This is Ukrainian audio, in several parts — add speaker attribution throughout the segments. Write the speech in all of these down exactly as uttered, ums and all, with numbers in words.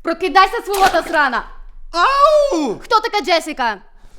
Speaker 1: Прокидайся, сволота срана!
Speaker 2: Ау!
Speaker 1: Хто така Джесіка?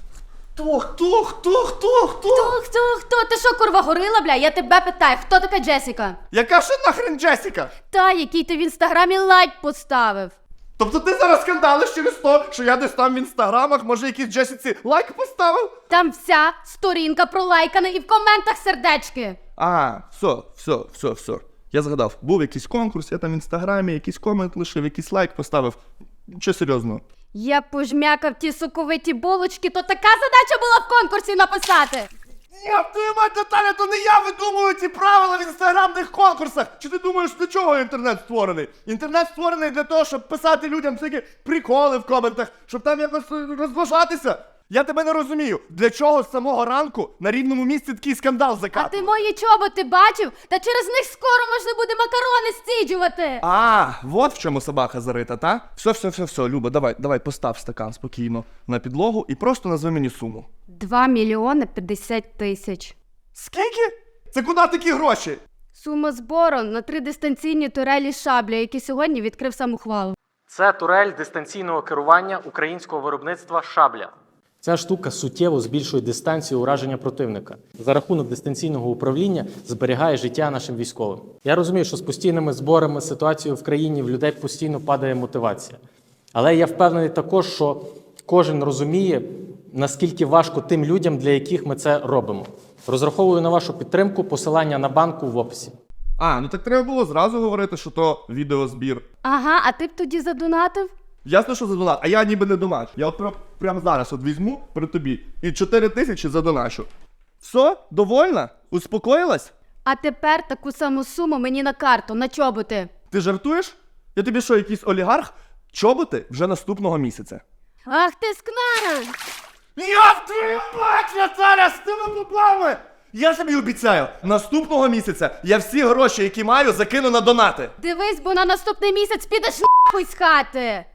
Speaker 2: Хто, хто, хто, хто, хто?
Speaker 1: Хто, хто, хто? Ти що, курва, горила, бля? Я тебе питаю, хто така Джесіка?
Speaker 2: Яка ще нахрен Джесіка?
Speaker 1: Та, який ти в інстаграмі лайк поставив.
Speaker 2: Тобто ти зараз скандалиш через то, що я десь там в інстаграмах, може якійсь Джесіці лайк поставив?
Speaker 1: Там вся сторінка пролайкана і в коментах сердечки.
Speaker 2: А, все, все, все, все. Я згадав, був якийсь конкурс, я там в інстаграмі якийсь комент лишив, якийсь лайк поставив. Нічого серйозного.
Speaker 1: Я пожмякав ті соковиті булочки, то така задача була в конкурсі написати.
Speaker 2: Ні, ти мать Наталя, то не я видумую ці правила в інстаграмних конкурсах. Чи ти думаєш, для чого інтернет створений? Інтернет створений для того, щоб писати людям всякі приколи в коментах, щоб там якось розважатися. Я тебе не розумію, для чого з самого ранку на рівному місці такий скандал
Speaker 1: А
Speaker 2: закатувати?
Speaker 1: ти мої чоботи бачив? Та через них скоро можна буде макарони стіджувати.
Speaker 2: А, вот в чому собака зарита, та? Все, все, все, все, Люба, давай, давай, постав стакан спокійно на підлогу і просто назви мені суму.
Speaker 1: Два мільйони п'ятдесят тисяч.
Speaker 2: Скільки? Це куди такі гроші?
Speaker 1: Сума збору на три дистанційні турелі шабля, які сьогодні відкрив сам ухвалу.
Speaker 3: Це турель дистанційного керування українського виробництва «Шабля». Ця штука суттєво збільшує дистанцію ураження противника. За рахунок дистанційного управління зберігає життя нашим військовим. Я розумію, що з постійними зборами ситуацією в країні в людей постійно падає мотивація. Але я впевнений також, що кожен розуміє, наскільки важко тим людям, для яких ми це робимо. Розраховую на вашу підтримку, посилання на банку в описі.
Speaker 2: А, ну так треба було зразу говорити, що то відеозбір.
Speaker 1: Ага, а ти б тоді задонатив?
Speaker 2: Ясно, що за донат, а я ніби не донач. Я от прям, прямо зараз от візьму при тобі і чотири тисячі задоначу. Все? Довольна? Успокоїлась?
Speaker 1: А тепер таку саму суму мені на карту, на чоботи.
Speaker 2: Ти жартуєш? Я тобі що, якийсь олігарх? Чоботи вже наступного місяця.
Speaker 1: Ах ти скнара!
Speaker 2: Я в твою мать, Наталя, з тими поплавами! Я тобі обіцяю, наступного місяця я всі гроші, які маю, закину на донати.
Speaker 1: Дивись, бо на наступний місяць підеш нахуй з хати.